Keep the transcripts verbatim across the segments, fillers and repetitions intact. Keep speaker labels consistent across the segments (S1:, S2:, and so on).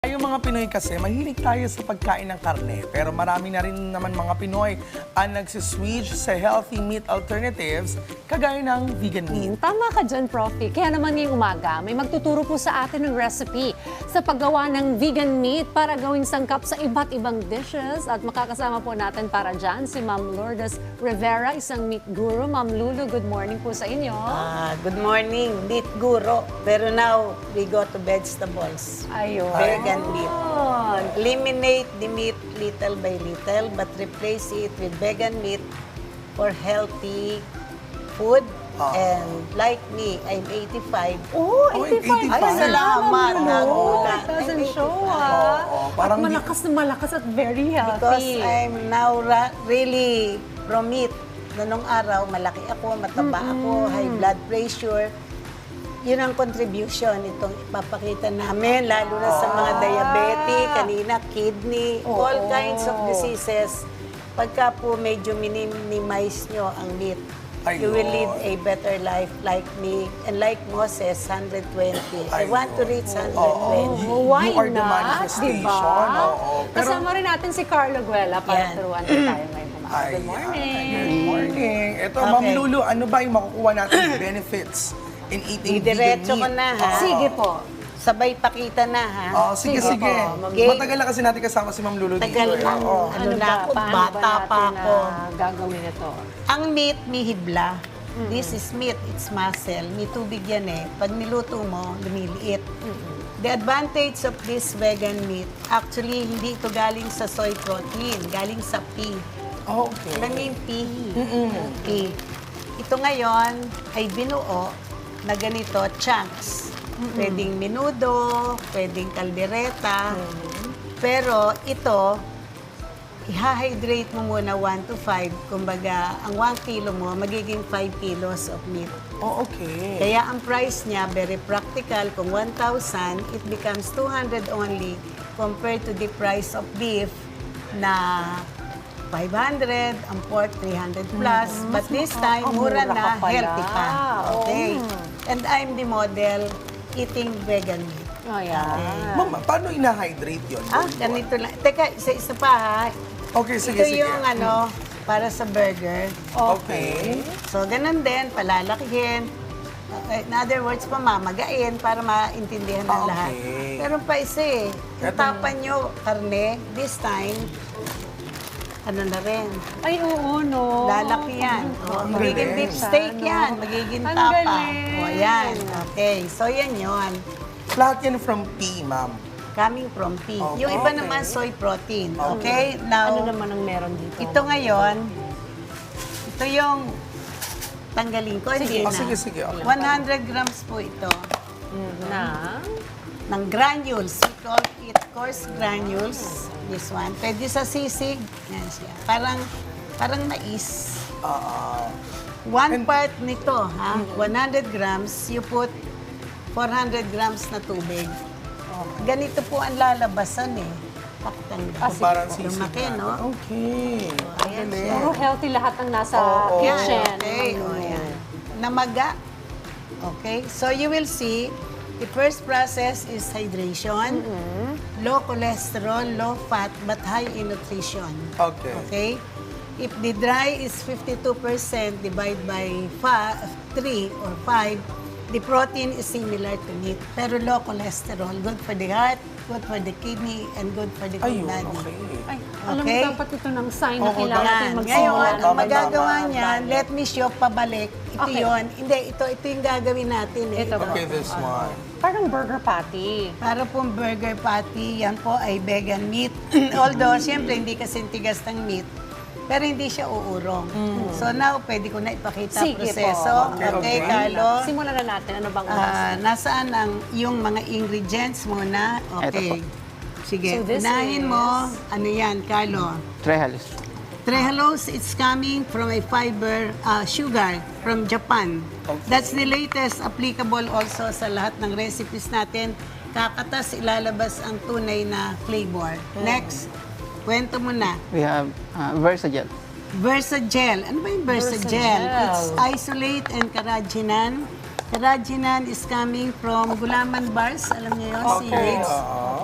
S1: Yung mga Pinoy kasi, mahilig tayo sa pagkain ng karne. Pero marami na rin naman mga Pinoy ang nagsiswitch sa healthy meat alternatives kagaya ng vegan meat.
S2: Tama ka dyan, Profi. Kaya naman ngayong umaga, may magtuturo po sa atin ng recipe sa paggawa ng vegan meat para gawing sangkap sa iba't ibang dishes. At makakasama po natin para dyan si Ma'am Lourdes Rivera, isang meat guru. Ma'am Lulu, good morning po sa inyo.
S3: Ah, good morning, meat guro. Pero now, we go to vegetables.
S2: Ayun.
S3: Vegan meat. Eliminate the meat little by little, but replace it with vegan meat for healthy food.
S1: Ah.
S3: And like me, I'm eighty-five.
S2: Oh,
S1: Oh,
S2: eighty-five.
S1: eighty-five.
S3: Ay, salamat.
S2: No,
S3: Nagulat.
S2: it doesn't
S3: I'm
S2: show,
S3: eighty-five.
S2: ah.
S1: Oo, parang
S2: At malakas na malakas at very
S3: Because
S2: healthy.
S3: I'm now ra- really from meat. Noong araw, malaki ako, mataba ako, high blood pressure. Yun ang contribution itong ipapakita namin, lalo na sa mga diabetic, kanina, kidney,
S2: Oo.
S3: all kinds of diseases. Pagka po medyo minimize nyo ang meat, you will lead a better life like me. And like Moses, one hundred twenty. I want to reach one hundred twenty.
S2: Oh, why
S1: You are the
S2: not?
S1: manifestation.
S2: Diba?
S1: Oo. Pero-
S2: Kasama rin natin si Carlo Guela para
S3: Yan.
S2: turuan din tayo ngayong umaga. Good
S1: Ayan.
S2: morning.
S1: Good morning. Ito,
S3: Okay.
S1: Ma'am Lulu, ano ba yung makukuha natin benefits in eating vegan
S3: Didiretso
S1: meat?
S3: ko na, ha?
S1: Oo.
S2: Sige po.
S3: Sabay pakita na, ha?
S1: Oh, sige,
S2: Sige
S1: sige.
S2: po, Ma'am.
S1: Matagal na kasi natin kasama si Ma'am Lulu dito.
S3: Tagal
S1: eh.
S3: na.
S1: Oo.
S3: Ano na ako,
S2: Paano
S3: bata
S2: ba
S3: pa
S2: natin
S3: ako.
S2: na gagawin ito?
S3: Ang meat, may hibla. This is meat, it's muscle. May tubig yan eh. Pag niluto mo, lumiliit. The advantage of this vegan meat, actually, hindi ito galing sa soy protein, galing sa pea.
S1: Oh, okay.
S3: Alam mo yung pea? Pea. Ito ngayon ay binuo na ganito, chunks. Pwedeng menudo, pwedeng kaldereta. Pero ito, i-hydrate mo muna one to five. Kumbaga, ang one kilo mo, magiging five kilos of meat.
S1: Oh, okay.
S3: Kaya ang price niya, very practical. Kung one thousand, it becomes two hundred only compared to the price of beef na five hundred, ang pork three hundred plus. But this time, mura
S2: mura
S3: na,
S2: ka pala.
S3: healthy pa. Okay.
S2: Oh.
S3: And I'm the model eating vegan meat.
S2: Ayan.
S1: Ma'am, paano ina-hydrate yun?
S3: Ah, ganito lang. Teka, isa-isa pa ha.
S1: Okay, sige,
S3: Ito
S1: sige.
S3: yung ano, para sa burger.
S1: Okay.
S3: So, ganun din, palalakihin. Okay, in other words, pamamagain para maintindihan ng
S1: Ah, okay.
S3: lahat. Pero pa isa eh, yung
S1: Eto-
S3: tapan nyo, karne, this time, ano na rin,
S2: Ay, oo, no.
S3: lalaki yan. O,
S1: Ang
S3: magiging
S1: galing.
S3: beef steak
S2: Ano?
S3: yan, magiging
S2: Ang
S3: tapa.
S2: galing.
S3: O, yan. Okay, so yan yun.
S1: Lahat yan from pea, ma'am.
S3: Coming from pea.
S1: Oh,
S3: Yung iba
S1: okay.
S3: naman, soy protein. Okay? Now,
S2: Ano naman ang meron dito?
S3: ito ngayon, ito yung tanggalin ko. Hindi
S1: Oh,
S3: na.
S1: sige, sige. Okay.
S3: one hundred grams po ito
S2: Na?
S3: ng granules. We call it coarse granules. This one. Pwede sa sisig. Yan siya. Parang, parang mais.
S1: Ah,
S3: One
S1: And-
S3: part nito, ha? one hundred grams, you put four hundred grams na tubig. Ganito po ang lalabasan eh. Pakitanda.
S1: so parang sisig
S3: Lumaki,
S1: na.
S3: no?
S1: Okay.
S3: Ayan
S1: Galing.
S3: siya.
S2: Puro healthy lahat ang nasa
S1: Oo.
S3: Yan,
S2: kitchen.
S3: okay. O, yan. Namaga. Okay. So, you will see, the first process is hydration. Low cholesterol, low fat, but high in nutrition.
S1: Okay.
S3: Okay? If the dry is fifty-two percent, divide by three or five, the protein is similar to meat. Pero low cholesterol, good for the heart, good for the kidney, and good for the
S1: Ayun,
S3: body.
S1: okay.
S2: Ay, alam
S3: Okay.
S2: mo, dapat ito ng sign na
S1: Oo,
S2: kailangan
S3: Yan.
S2: natin
S3: Ngayon,
S2: magsimula
S3: ang
S2: ng
S1: tama,
S3: magagawa
S2: tama.
S3: niyan, let me show pabalik. Ito
S2: Okay.
S3: yon. Hindi, ito ito yung gagawin natin. Eh.
S2: Ito po.
S1: Okay, this one.
S2: Parang burger patty.
S3: Para pong burger patty, yan po ay vegan meat. Although, siyempre, hindi kasi tigas ng meat. Pero hindi siya uurong. So now, pwede ko na ipakita
S2: Sige po.
S3: proseso.
S1: Okay,
S3: Okay,
S1: okay.
S3: Carlo.
S2: Simulan na natin. Ano bang
S3: Ah, nasaan ang yung mga ingredients muna? Okay. Sige,
S2: So this
S3: unahin
S2: is-
S3: mo. Ano yan, Carlo?
S4: Trehalus.
S3: Trehalose, it's coming from a fiber uh, sugar from Japan.
S1: Okay.
S3: That's the latest applicable also sa lahat ng recipes natin. Kakatas ilalabas ang tunay na flavor. Next, kwento mo na.
S4: We have uh, Versagel.
S3: Versagel. Ano ba yung Versagel?
S2: Versagel.
S3: It's isolate and carrageenan. Carrageenan is coming from gulaman bars. Alam niyo yun,
S1: Okay.
S3: seaweeds.
S1: Oo.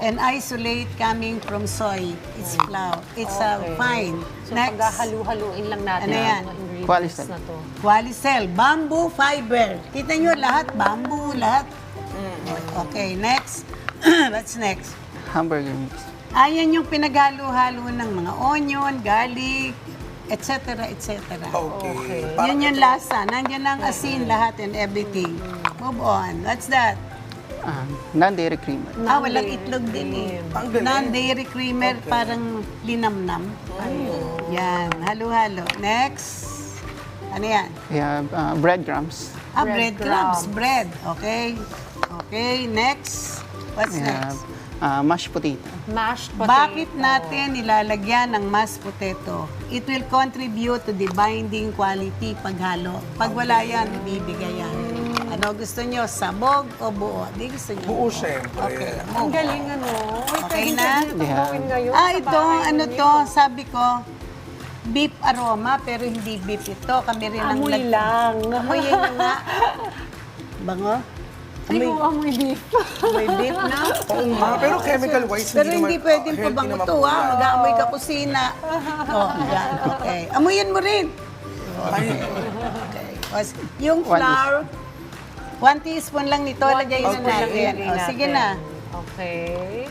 S3: And isolate coming from soy. It's flour. It's uh,
S2: Okay.
S3: fine.
S2: So
S3: Next,
S2: paghahalu-haluin lang natin
S3: Ano
S2: ang
S3: yan?
S2: mga ingredients
S4: Qualicel.
S2: na to.
S3: Qualicel, bamboo fiber. Kita nyo lahat, bamboo, lahat. Okay, next. What's next?
S4: Hamburger mix.
S3: Ayan yung pinaghalo-halo ng mga onion, garlic, et cetera, et cetera.
S1: Okay.
S2: Okay.
S1: Parang
S3: Yun yung lasa. Nandiyan ang asin lahat and everything. Move on. What's that?
S4: Um, non-dairy creamer.
S3: Ah, walang itlog din eh.
S1: Ang galing.
S3: Non-dairy creamer, parang linamnam. Yan, halo-halo. Next. Ano yan?
S4: We have uh, breadcrumbs.
S3: Ah,
S2: Breadcrumbs.
S3: breadcrumbs. Bread. Okay. Okay, next. What's
S4: We have
S3: next?
S4: uh, mashed potato.
S2: Mashed potato.
S3: Bakit natin nilalagyan ng mashed potato? It will contribute to the binding quality paghalo. Pag wala yan, ibibigay yan. Ano gusto nyo? Sabog o buo? Di gusto nyo?
S1: buo, syempre.
S3: Okay.
S2: Ang galing ano. Uy,
S3: Okay
S2: pwede
S3: na?
S2: pwede ito
S4: Yeah.
S2: gawin ngayon
S3: Ah,
S2: sa
S3: ito,
S2: bahay
S3: ano
S2: ninyo.
S3: to, sabi ko, beef aroma, pero hindi beef ito. Kami rin ang
S2: Amoy
S3: nag-
S2: lang.
S3: Amoyin na nga. Bango?
S2: Ay,
S3: Amoy,
S2: kung amoy beef.
S3: amoy beef na?
S1: Oo nga, pero chemical-wise,
S3: Pero
S1: hindi
S3: hindi
S1: naman
S3: pwedeng
S1: healthy
S3: pabango
S1: naman
S3: to,
S1: po
S3: ha?
S1: yan.
S3: Mag-aamoy ka kusina. Oh, yan. Okay. Amoyin mo rin.
S1: Ay,
S3: Okay. Was- Yung
S4: One
S3: flour, one teaspoon lang nito,
S2: One
S3: lagay na
S2: teaspoon lang
S3: natin.
S2: ilagay
S3: Oh, sige
S2: natin.
S3: na.
S2: Okay.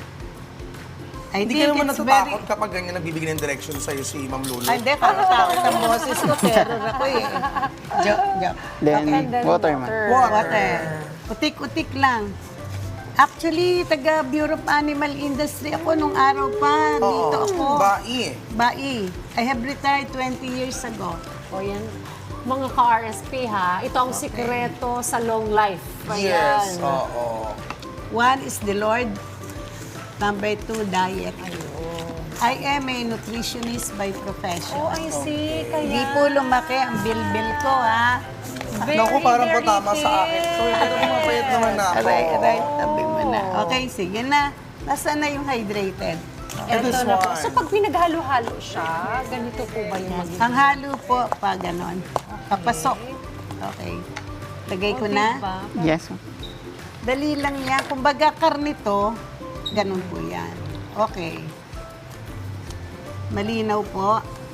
S3: I
S1: hindi
S3: think
S1: ka naman
S3: it's
S1: natatakot
S3: very...
S1: kapag ganyan nagbibigay ng direction sa'yo si Ma'am Lulu.
S3: Ay, hindi, takot ang boses ko, terror ako eh. Joke, joke.
S4: Then,
S2: And then
S4: water,
S2: water.
S4: man.
S1: Water.
S3: Water. Utik-utik lang. Actually, taga Bureau of Animal Industry ako nung araw pa. Dito ako.
S1: Bai.
S3: Bai. I have retired twenty years ago.
S2: O yan. Mga ka-R S P ha, ito ang sikreto sa long life.
S1: Yes,
S2: Ayan.
S1: oo.
S3: One is the Lord. Number two, diet. I am a nutritionist by profession.
S2: Oh, I see. Kaya...
S3: Hindi po lumaki ang bilbil ko, ha?
S2: Very,
S1: Naku, parang
S2: very
S1: patama sa akin.
S2: fit.
S1: Sorry, pero mapayat naman na ako.
S3: Aray, aray, tabi mo na. Okay, sige na. Nasaan na yung hydrated?
S2: Ito
S1: This
S2: na po.
S1: one.
S2: So pag pinaghalo-halo siya, ganito po ba yung magiging?
S3: Ang halo po, pa ganon. Papasok. Okay. Lagay ko
S2: O,
S3: na.
S2: diba?
S4: Yes, ma'am.
S3: Dali lang yan. Kung baga karnito, ganun po yan. Okay. Malinaw po.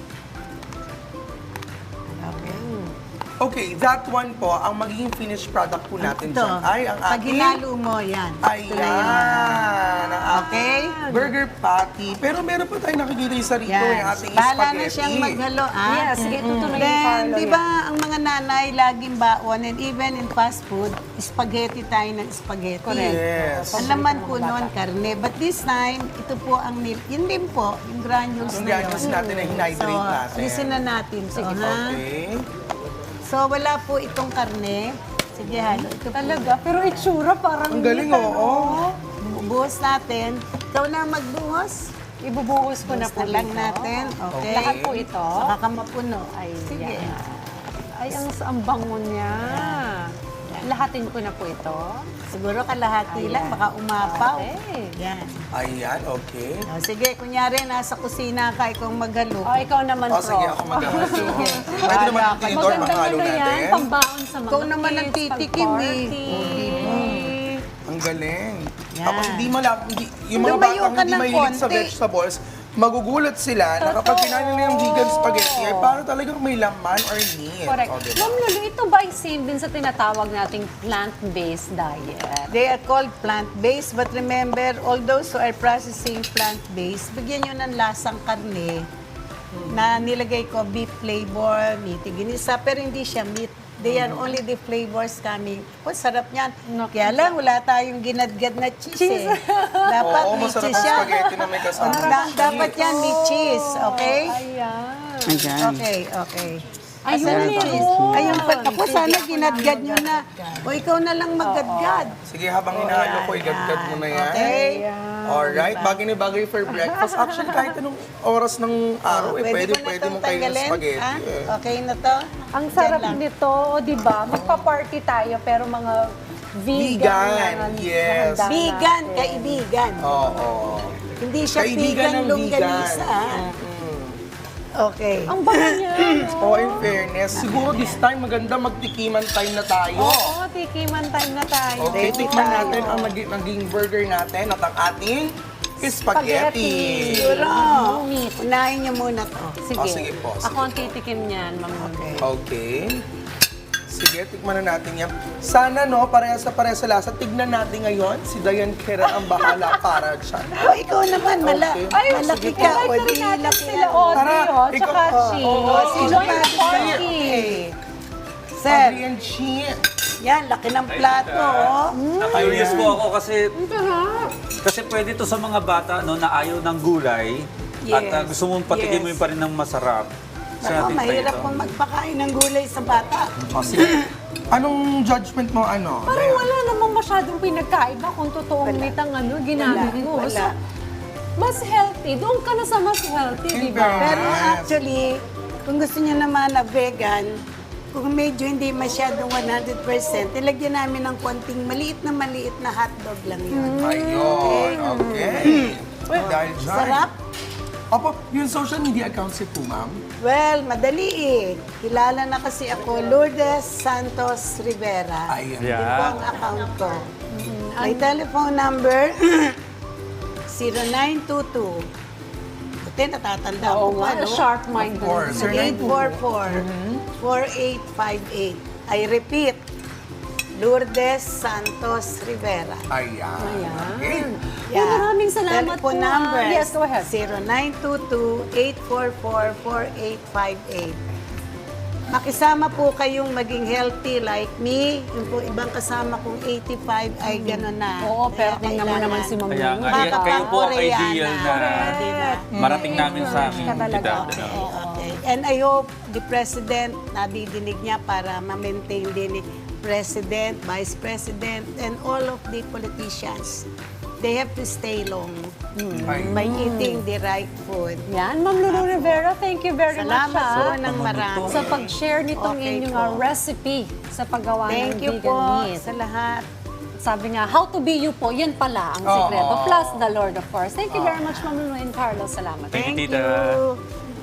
S3: Okay.
S1: Okay, that one po, ang magiging finished product po natin
S3: Ito.
S1: dyan ay ang
S3: Pag
S1: ating...
S3: hinalo mo, yan. Ito na yun.
S1: Ayan, ang ating
S3: Okay?
S1: burger patty. Pero meron pa tayong nakikita yung sarito,
S3: Yan.
S1: yung ating
S3: Bahala
S1: spaghetti.
S3: na siyang maghalo, ah.
S2: Yes, sige, tutuloy yung
S3: Then,
S2: Carlo
S3: di
S2: yan.
S3: ba, ang mga nanay laging baon and even in fast food, spaghetti tayo ng spaghetti.
S2: Correct.
S1: Yes.
S3: Ang laman po noon, karne. But this time, ito po ang nil... Yun din po, yung granules
S1: Yung
S3: na
S1: granules
S3: yun.
S1: natin na hinidrate
S3: so,
S1: natin.
S3: listen na natin. So, ha?
S1: Okay.
S3: So, wala po itong karne. Sige, halo. Ito po.
S2: Talaga, pero itsura parang
S1: Ang galing,
S2: meat,
S1: oo.
S2: ano?
S3: Bubuhos natin. Ikaw na magbuhos.
S2: Ibubuhos ko na po
S3: Buhos na lang
S2: dito.
S3: natin. Okay.
S2: Lahat po ito.
S3: Saka ka mapuno.
S2: Ay,
S3: Sige.
S2: yan. Ay, ang, ang bango niya. Lahatin ko na po ito.
S3: Siguro kalahati lang, baka umapaw.
S2: Okay.
S3: Yan.
S1: Ayan, okay.
S3: O, sige, kunyari, nasa kusina ka, ikaw maghalo.
S2: O, ikaw naman,
S1: O,
S2: Prof.
S1: sige, ako mag-ahas.
S3: Sige.
S1: Pwede naman
S3: Wala
S1: yung
S3: ka.
S1: tinidor,
S2: Maganda
S1: panghalo
S2: na yan,
S1: natin.
S2: pambaon sa mga
S3: Ikaw naman ang
S2: kids,
S3: titikim, eh.
S2: pag-party.
S1: Ang galing.
S3: Yan.
S1: Tapos hindi mo lang, hindi, yung mga
S3: Lumayo
S1: batang
S3: ka
S1: hindi
S3: ng
S1: mahilig sa
S3: konti.
S1: vegetables, magugulat sila na kapag kinain nila yung vegan spaghetti, ay para talagang may laman or meat.
S2: Correct.
S1: O, diba?
S2: Ma'am Lulu, ito ba ay same din sa tinatawag nating plant-based diet?
S3: They are called plant-based, but remember, all those who are processing plant-based, bigyan nyo ng lasang karne na nilagay ko beef flavor, meaty ginisa, pero hindi siya meat. They are only the flavors coming. Oh, sarap niyan. Kaya lang, wala tayong ginadgad na cheese, eh. Dapat
S1: Oo,
S3: may
S1: masarap
S3: cheese
S1: ang
S3: yan.
S1: spaghetti na may kasama.
S3: Da- dapat yan may cheese, okay?
S2: Ayan.
S4: Ayan.
S3: Okay, okay.
S2: Ayun,
S3: Asan ang
S2: meron.
S3: cheese? Ayun pa. Ako, sana ginadgad nyo na. O, ikaw na lang maggadgad.
S1: Sige, habang hinahalo ko, igadgad mo na yan.
S3: Okay?
S1: Alright, bagay na bagay for breakfast. Actually, kahit anong oras ng araw, eh, pwede,
S3: ko na
S1: pwede
S3: itong
S1: mong kainin ng
S3: tanggalin,
S1: spaghetti.
S3: ha?
S1: Eh.
S3: Okay na to?
S2: Ang
S3: Diyan
S2: sarap
S3: lang.
S2: nito, di ba? Magpa-party tayo, pero mga vegan.
S1: Vegan,
S2: na-
S1: yes.
S2: handa
S3: Vegan,
S2: natin.
S3: kaibigan.
S1: Oo.
S3: Hindi siya
S1: Kaibigan
S3: vegan
S1: ng
S3: longganisa.
S1: vegan.
S3: ha?
S1: Mm-mm.
S3: Okay.
S2: Ang bango niya. no?
S1: Oh, in fairness, siguro this time maganda magtikiman time na tayo.
S2: Oo, tikiman time na tayo.
S1: Okay,
S3: Ready
S1: tikman
S3: tayo.
S1: natin ang naging, naging burger natin at ang ating spaghetti.
S2: Spaghetti.
S3: Siguro,
S2: Meat.
S3: unahin niyo muna to.
S2: Sige.
S1: Oh, sige po, sige
S2: Ako ang titikim niyan, Ma'am Lorna.
S1: Okay. Sige, tikman na natin yan. Sana, no, parehas sa parehas sa lasa. Tignan natin ngayon. Si Dayan Kera ang bahala para dyan.
S3: O, ikaw naman, mala,
S1: Okay.
S2: Ay,
S3: malaki
S2: sige,
S3: ka.
S2: like
S3: O,
S2: lang
S3: di
S2: natin
S3: laki
S2: sila,
S3: ako.
S2: Audrey,
S1: Tara,
S2: oh,
S1: ikaw-
S2: tsaka
S1: oh,
S2: Chi.
S1: oh,
S3: oh,
S2: Enjoy
S3: sino
S2: your
S3: ba?
S2: party.
S3: Okay. Sir,
S1: Adrian Chi.
S3: yan, laki ng plato, oh.
S5: Curious po ako kasi
S2: Ang sarap.
S5: kasi pwede to sa mga bata no na ayaw ng gulay at
S3: Yes.
S5: uh, gusto mong patikin mo
S3: Yes.
S5: yung pa rin ng masarap. Sa
S3: Ako,
S5: ating
S3: mahirap
S5: ito.
S3: pong magpakain ng gulay sa bata.
S1: O, sige. Anong judgment mo, ano?
S2: Parang
S1: Dayan?
S2: wala namang masyadong pinagkaiba kung totoong
S3: Wala.
S2: meat ang ano, ginamit
S3: Wala,
S2: mo.
S3: wala.
S2: So, mas healthy. Doon ka na sa mas healthy, di ba?
S1: Yes.
S3: Pero actually, kung gusto niyo naman na vegan, kung medyo hindi masyadong one hundred percent, ilagyan namin ng konting maliit na maliit na hotdog lang yun.
S1: Ayun, okay. Dahil dyan.
S3: Sarap?
S1: Opo, yung social media accounts niyo po, ma'am?
S3: Well, madali eh. Kilala na kasi ako, Lourdes Santos Rivera.
S1: Ayun.
S5: Yeah.
S3: Yun po ang account ko. My telephone number, zero nine two two. Buti, natatanda
S2: Oo
S3: ko
S2: nga,
S3: pa, no?
S2: sharp mind.
S1: Of course. Sir,
S3: eight four four, four eight five eight. I repeat, Lourdes Santos Rivera.
S1: Ayan.
S2: Ayan.
S1: Okay.
S2: Well, maraming salamat
S3: Telephone
S2: po, ah.
S3: number,
S2: Yes, go ahead.
S3: zero nine two two, eight four four, four eight five eight. Makisama po kayong maging healthy like me. Yung po ibang kasama kong eighty-five ay gano'n na.
S2: Oo, pero
S3: Kaya
S2: tingnan mo
S3: kailangan-
S2: naman si Ma'am
S5: Kaya
S2: Lulu.
S5: nga,
S3: Baka
S5: yan, kayo po ang
S3: Koreana.
S5: ideal na
S3: Correct.
S5: marating namin sa aming
S2: Ka talaga.
S5: edad. ano.
S3: Okay, okay. And I hope the President, nadidinig niya para ma-maintain din ni President, Vice President, and all of the politicians. They have to stay long
S1: Ayun.
S3: by eating the right food.
S2: Yan, Ma'am Lulu Rivera, thank you very
S3: Salamat
S2: much
S3: po
S2: ah,
S3: ng marami.
S2: sa pag-share nitong
S3: Okay
S2: inyong
S3: po.
S2: ah, recipe sa paggawa
S3: Thank
S2: ng
S3: you
S2: vegan
S3: po
S2: meat.
S3: sa lahat.
S2: Sabi nga, how to be you po, yan pala ang
S1: Oo.
S2: sikreto. Plus the Lord, of course. Thank you very much, Ma'am Lulu and Carlos. Salamat.
S5: Thank you,
S3: Thank
S5: Tita.
S3: you.